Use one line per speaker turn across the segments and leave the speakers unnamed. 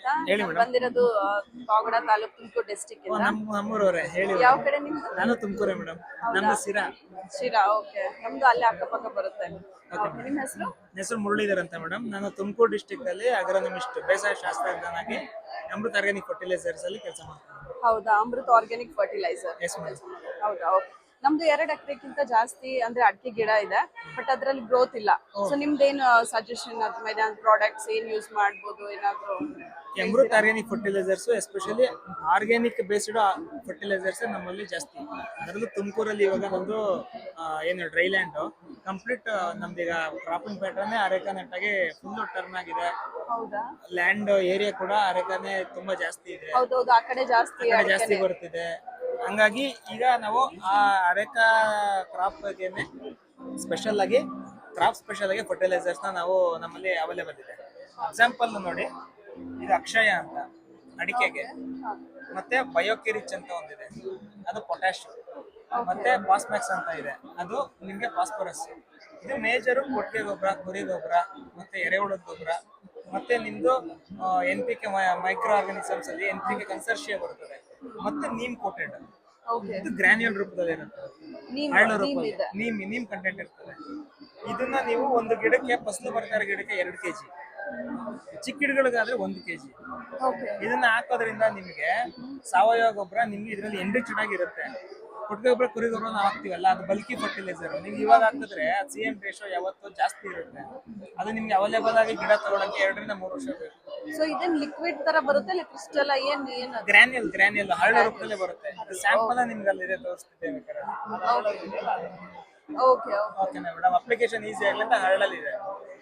ಅಂತ ನಾನ್ ಬಂದಿರೋದು ಪಾವಗಡ ತಾಲೂಕು ತುಮಕೂರು ಡಿಸ್ಟಿಕ್ ಇಂದ.
ನಮ್ಮೂರವರೇ ಹೇಳಿ.
ಯಾವ ಕಡೆ ನಿಮ್ದು?
ನಾನು ತುಮಕೂರೇ ಮೇಡಮ್. ನಮ್ದು ಶಿರಾ.
ಶಿರಾ, ಓಕೆ. ನಮ್ದು ಅಲ್ಲೇ ಅಕ್ಕಪಕ್ಕ ಬರುತ್ತೆ. ನಿಮ್ಮ ಹೆಸರು?
ಹೆಸರು ಮುರಳೀಧರ್ ಅಂತ ಮೇಡಮ್. ನಾನು ತುಮಕೂರು ಡಿಸ್ಟಿಕ್ ಅಲ್ಲಿ ಅಗ್ರೋನಮಿಸ್ಟ್ ಬೇಸಾಯ ಶಾಸ್ತ್ರಜ್ಞನಾಗಿ ಅಮೃತ್ ಆರ್ಗ್ಯಾನಿಕ್ ಫರ್ಟಿಲೈಸರ್ಸ್ ಅಲ್ಲಿ ಕೆಲಸ ಮಾಡ್ತೀನಿ.
ಹೌದಾ, Amrit organic fertilizer.
Yes madam.
ಹೌದಾ, ಓಕೆ. ನಮ್ದು 2 ಎಕರೆಗಿಂತ ಜಾಸ್ತಿ ಅಂದ್ರೆ ಅಡಿಕೆ ಗಿಡ ಇದೆ, ಬಟ್ ಅದ್ರಲ್ಲಿ ಗ್ರೋತ್ ಇಲ್ಲ. ಸೊ ನಿಮ್ದೇನು ಸಜೆಷನ್ ಅದ್ರ ಮೇಲೆ ಪ್ರಾಡಕ್ಟ್ಸ್ ಏನ್ ಯೂಸ್ ಮಾಡ್ಬೋದು ಏನಾದ್ರು?
Amrit organic fertilizers especially organic based fertilizers ನಮ್ಮಲ್ಲಿ ಜಾಸ್ತಿ. ಅದರಲ್ಲೂ ತುಮಕೂರಲ್ಲಿ ಇವಾಗ ನಮ್ದು ಏನು ಡ್ರೈ ಲ್ಯಾಂಡ್ ಕಂಪ್ಲೀಟ್ ನಮ್ದೀಗ ಕ್ರಾಪಿಂಗ್ ಪ್ಯಾಟರ್ನ್ ಅರೆಕಾನೆಟ್ಟಾಗಿ ಫುಲ್ ಟರ್ನ್ ಆಗಿದೆ.
ಹೌದಾ,
ಲ್ಯಾಂಡ್ ಏರಿಯಾ ಕೂಡ ಅರೆಕಾನೆ ತುಂಬಾ ಜಾಸ್ತಿ ಇದೆ.
ಹೌದೌದು, ಆ ಕಡೆ ಜಾಸ್ತಿ
ಬರ್ತಿದೆ. ಹಂಗಾಗಿ ಈಗ ನಾವು ಆ ಅರೆಕಾ ಕ್ರಾಪ್ ಬಗ್ಗೆನೆ ಸ್ಪೆಷಲ್ ಆಗಿ ಫರ್ಟಿಲೈಸರ್ಸ್ ನಾವು ನಮ್ಮಲ್ಲಿ ಅವೈಲೇಬಲ್ ಇದೆ. ಎಕ್ಸಾಂಪಲ್ ನೋಡಿ, ಇದು ಅಕ್ಷಯ ಅಂತ ಅಡಿಕೆಗೆ, ಮತ್ತೆ ಬಯೋಕಿರಿಚ್ ಅಂತ ಒಂದಿದೆ, ಅದು ಪೊಟ್ಯಾಶ್, ಮತ್ತೆ ಫಾಸ್ಮ್ಯಾಕ್ಸ್ ಅಂತ ಇದೆ, ಅದು ನಿಮ್ಗೆ ಫಾಸ್ಫರಸ್. ಇದು ಮೇಜರು ಕೊಟ್ಟಿಗೆ ಗೊಬ್ಬರ, ಕುರಿ ಗೊಬ್ಬರ, ಮತ್ತೆ ಎರೆಹುಳದ ಗೊಬ್ಬರ, ಮತ್ತೆ ನಿಮ್ದು NPK ಮೈಕ್ರೋ ಆರ್ಗಾನಿಸಮ್ಸ್ ಅಲ್ಲಿ NPK ಕನ್ಸರ್ಷಿಯಾ ಬರುತ್ತದೆ, ಮತ್ತೆ ನೀಮ್ ಕೋಟೆಡ್. ಇದು ಗ್ರಾನ್ಯೂಲ್ ರೂಪದಲ್ಲಿ ಇರುತ್ತೆ, ಹರಳು ರೂಪದಲ್ಲಿ ನೀಮ್ ಕಂಟೆಂಟ್ ಇರ್ತದೆ. ಇದನ್ನ ನೀವು ಒಂದು ಗಿಡಕ್ಕೆ ಫಸಲು ಬರ್ತಾ ಇರೋ ಗಿಡಕ್ಕೆ 2 kg, ಚಿಕ್ಕ ಗಿಡಗಳಿಗಾದ್ರೆ 1 kg. ಇದನ್ನ ಹಾಕೋದ್ರಿಂದ ನಿಮಗೆ ಸಾವಯವ ಗೊಬ್ಬರ ನಿಮ್ಗೆ ಇದರಲ್ಲಿ ಎನ್ರಿಚ್ಡ್ ಆಗಿರುತ್ತೆ. ಕೊಟ್ಟಿಗೆ ಗೊಬ್ಬರ, ಕುರಿ ಗೊಬ್ಬರ ನಾವು ಹಾಕ್ತಿವಲ್ಲ, ಅದು ಬಲ್ಕಿ ಫರ್ಟಿಲೈಸರ್. ನೀವು ಇವಾಗ ಹಾಕಿದ್ರೆ CM ರೇಷೋ ಯಾವತ್ತೂ ಜಾಸ್ತಿ ಇರುತ್ತೆ. ಅದು ನಿಮ್ಗೆ ಅವೈಲೇಬಲ್ ಆಗಿ ಗಿಡ ತಗೊಳಕ್ಕೆ 2 ರಿಂದ 3 ವರ್ಷ ಬೇಕು.
ಸೊ ಇದನ್ನ ಲಿಕ್ವಿಡ್ ತರ ಬರುತ್ತೆ, ಇಲ್ಲ ಕ್ರಿಸ್ಟಲ್? ಏನು
ಗ್ರಾನ್ಯೂಲ್ ಹರಳು ರೂಪದಲ್ಲೇ ಬರುತ್ತೆ. ಸ್ಯಾಂಪಲ್ ನಿಮ್ಗೆ ಅಲ್ಲಿದೆ, ತೋರಿಸ್ತಿದ್ದೇವೆ. ಓಕೆನಾ ಮೇಡಮ್? ಅಪ್ಲಿಕೇಶನ್ ಈಸಿ ಆಗಲಿ ಅಂತ ಹರಳಲ್ಲಿ ಇದೆ.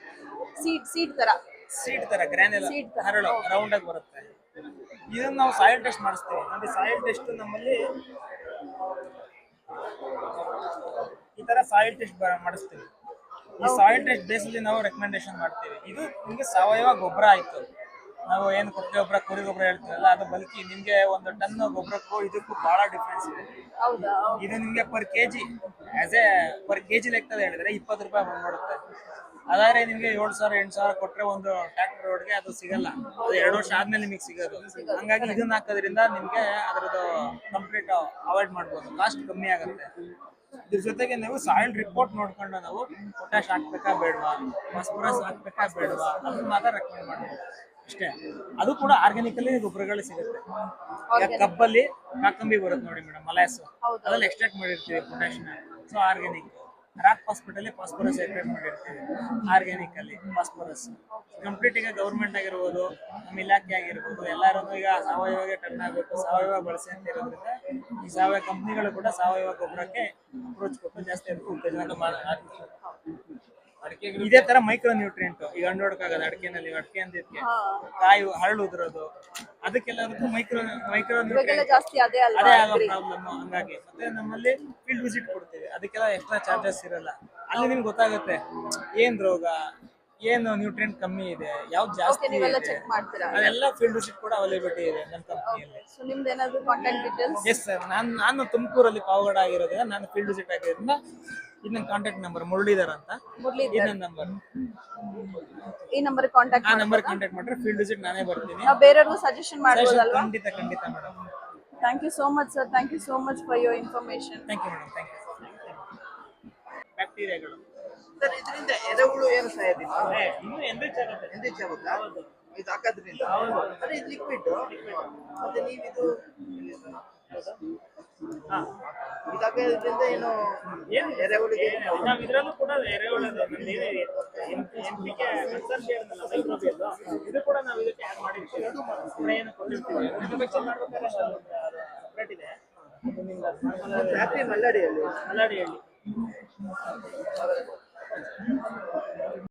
ಸೀಡ್ ತರ ಗ್ರಾನ್ಯೂಲ್ ಹರಳು ರೌಂಡ್ ಆಗಿ ಬರುತ್ತೆ. ಇದನ್ನ ನಾವು ಸಾಯಿಲ್ ಟೆಸ್ಟ್ ಮಾಡಿಸ್ತೀವಿ ನೋಡಿ. ಸಾಯಿಲ್ ಟೆಸ್ಟ್ ನಮ್ಮಲ್ಲಿ ಈ ತರ ಸಾಯಿಲ್ ಟೆಸ್ಟ್ ಮಾಡಿಸ್ತೀವಿ. ಈ ಸಾಯಿಲ್ ಟೆಸ್ಟ್ ಬೇಸಲ್ಲಿ ನಾವು ರೆಕಮೆಂಡೇಶನ್ ಮಾಡ್ತೀವಿ. ಇದು ನಿಮ್ಗೆ ಸಾವಯವ ಗೊಬ್ಬರ ಆಯ್ತು. ನಾವು ಏನು ಕೊಟ್ಟಿಗೆ ಗೊಬ್ಬರ, ಕುರಿ ಗೊಬ್ಬರ ಹೇಳ್ತೀವಲ್ಲ, ಅದು ಬಲ್ಕಿ ನಿಮ್ಗೆ 1 ಟನ್ ಗೊಬ್ಬರಕ್ಕೂ ಇದಕ್ಕೂ ಬಹಳ ಡಿಫ್ರೆನ್ಸ್ ಇದೆ. ಇದು ನಿಮ್ಗೆ ಪರ್ ಕೆಜಿ ಲೆಕ್ಕದಲ್ಲಿ ಹೇಳಿದ್ರೆ 20 ರೂಪಾಯಿ ಬಂದ್ಬಿಡುತ್ತೆ. ಅದಾದ್ರೆ ನಿಮ್ಗೆ 7,000 8,000 ಕೊಟ್ರೆ ಒಂದು ಟ್ರ್ಯಾಕ್ಟರ್ ರೋಡ್ಗೆ ಅದು ಸಿಗಲ್ಲ. ಅದು 2 ವರ್ಷ ಆದ್ಮೇಲೆ ನಿಮಗೆ ಸಿಗೋದು. ಹಂಗಾಗಿ ಇದನ್ನ ಹಾಕೋದ್ರಿಂದ ನಿಮ್ಗೆ ಅದರದ್ದು ಕಂಪ್ಲೀಟ್ ಅವಾಯ್ಡ್ ಮಾಡ್ಬೋದು, ಕಾಸ್ಟ್ ಕಮ್ಮಿ ಆಗುತ್ತೆ. ಇದ್ರ ಜೊತೆಗೆ ನೀವು ಸಾಯಿಲ್ ರಿಪೋರ್ಟ್ ನೋಡ್ಕೊಂಡು ನಾವು ಪೊಟ್ಯಾಶ್ ಹಾಕ್ಬೇಕಾ ಬೇಡವಾ, ಫಾಸ್ಫರಸ್ ಹಾಕ್ಬೇಕಾ ಬೇಡವಾ, ಅದನ್ನ ಮಾತ್ರ ರೆಕಮೆಂಡ್ ಮಾಡ್ಬೋದು ಅಷ್ಟೇ. ಅದು ಕೂಡ ಆರ್ಗ್ಯಾನಿಕಲ್ಲಿ ಗೊಬ್ಬರಗಳು ಸಿಗುತ್ತೆ. ಕಬ್ಬಲ್ಲಿ ಕಾಕಂಬಿ ಬರುತ್ತೆ ನೋಡಿ ಮೇಡಮ್, ಮಲಾಸು, ಅದ್ರಲ್ಲಿ ಎಕ್ಸ್ಟ್ರಾಕ್ಟ್ ಮಾಡಿರ್ತೀವಿ ಪೊಟ್ಯಾಶ್ನ. So organic. ರಾಕ್ ಹಾಸ್ಪಿಟಲ್ಲಿ ಫಾಸ್ಫರಸ್ ಎಕ್ಸ್ಟ್ರಾಕ್ಟ್ ಮಾಡಿರ್ತೀವಿ, ಆರ್ಗ್ಯಾನಿಕ್ ಅಲ್ಲಿ ಫಾಸ್ಫರಸ್. ಕಂಪ್ಲೀಟ್ ಈಗ ಗೌರ್ಮೆಂಟ್ ಆಗಿರ್ಬೋದು, ನಮ್ಮ ಇಲಾಖೆ ಆಗಿರ್ಬೋದು, ಎಲ್ಲರೂ ಈಗ ಸಾವಯವಗೆ ಟರ್ನ್ ಆಗಬೇಕು, ಸಾವಯವ ಬಳಸಿ ಅಂತ ಇರೋದ್ರಿಂದ ಈ ಸಾವಯವ ಕಂಪ್ನಿಗಳು ಕೂಡ ಸಾವಯವ ಗೊಬ್ಬರಕ್ಕೆ ಅಪ್ರೋಚ್ ಕೊಟ್ಟು ಜಾಸ್ತಿ ಅದಕ್ಕೆ ಉತ್ತೇಜನ ಮಾಡ್ತಾರೆ. ಇದೇ ತರ ಮೈಕ್ರೋ ನ್ಯೂಟ್ರಿಯೆಂಟ್ ಈಗ ಅಂಡೋಡಕ್ಕಾಗಲ್ಲ ಅಡಿಕೆನಲ್ಲಿ. ಅಡಿಕೆ ಅಂದಿದ್ಕೆ ಕಾಯಿ ಹರಳು ಉದುರೋದು, ಅದಕ್ಕೆಲ್ಲದಕ್ಕೂ ಮೈಕ್ರೋ ನ್ಯೂಟ್ರಿಯೆಂಟ್ ಅದೇ ಆಗೋ ಪ್ರಾಬ್ಲಮ್. ಹಂಗಾಗಿ ಮತ್ತೆ ನಮ್ಮಲ್ಲಿ ಫೀಲ್ಡ್ ವಿಸಿಟ್ ಕೊಡ್ತೀವಿ, ಅದಕ್ಕೆಲ್ಲ ಎಕ್ಸ್ಟ್ರಾ ಚಾರ್ಜಸ್ ಇರಲ್ಲ. ಅಲ್ಲಿ ನಿಮ್ಗೆ ಗೊತ್ತಾಗುತ್ತೆ ಏನ್ ರೋಗ, ಏನು ನ್ಯೂಟ್ರಿಯೆಂಟ್ ಕಮ್ಮಿ ಇದೆ, ಯಾವ್ದು ಜಾಸ್ತಿ ಇದೆ, ಅದೆಲ್ಲ ಫೀಲ್ಡ್ ವಿಸಿಟ್ ಕೂಡ ಅವೈಲೇಬಿಲಿಟಿ ಇದೆ ನಮ್ಮ ಕಂಪನಿಯಲ್ಲಿ. ಎಸ್ ಸರ್, ನಾನು ತುಮಕೂರಲ್ಲಿ ಪಾವಗಡ ಆಗಿರೋದ್ರಿಂದ ನಾನು ಫೀಲ್ಡ್ ವಿಸಿಟ್ ಆಗಿರೋದ್ರಿಂದ ಇದು ನನ್ನ ಕಾಂಟ್ಯಾಕ್ಟ್ ನಂಬರ್ ಮುರಳೀಧರ್ ಅಂತ. ಇದು ನನ್ನ ನಂಬರ್.
ಈ ನಂಬರ್ ಕಾಂಟ್ಯಾಕ್ಟ್
ಮಾಡ್ರೆ ಫೀಲ್ಡ್ ವಿಸಿಟ್ ನಾನೇ ಬರ್ತೀನಿ.
ಬೇರೆಯವ್ರಿಗೂ ಸಜೆಷನ್ ಮಾಡ್ಬೋದಲ್ವಾ?
ಖಂಡಿತ madam.
Thank you so much sir. Thank you so much for your information.
Thank you madam. Thank you. ಬ್ಯಾಕ್ಟೀರಿಯಾಗಳು
ಸರ್, ಇದರಿಂದ ಎರೆಹುಳು ಏನು ಸಾಯೋದಿಲ್ಲ?
ಇನ್ನೂ ಎನ್ರಿಚ್
ಆಗುತ್ತಾ ಇದು ಹಾಕೋದ್ರಿಂದ? ಅಂದ್ರೆ ಇದು ಲಿಕ್ವಿಡ್. ಮತ್ತೆ ನೀವಿದು ಇದಾಗೋದ್ರಿಂದ ಏನು ಎರೆಹುಳಿಗೆ
ನಾವು ಇದರಲ್ಲೂ ಕೂಡ ಎರೆಹುಳದ ಇದು ಕೂಡ ನಾವು ಇದಕ್ಕೆ ಆಡ್ ಮಾಡಿರ್ತೀವಿ. ಏನು ಕೊಟ್ಟಿರ್ತೀವಿ ಮ್ಯಾನುಫ್ಯಾಕ್ಚರ್ ಮಾಡ್ಬೇಕಾದ್ರೆ ಸಪ್ರೇಟ್ ಇದೆ.
ಫ್ಯಾಕ್ಟ್ರಿ ಮಲ್ಲಾಡಿಯಲ್ಲಿ.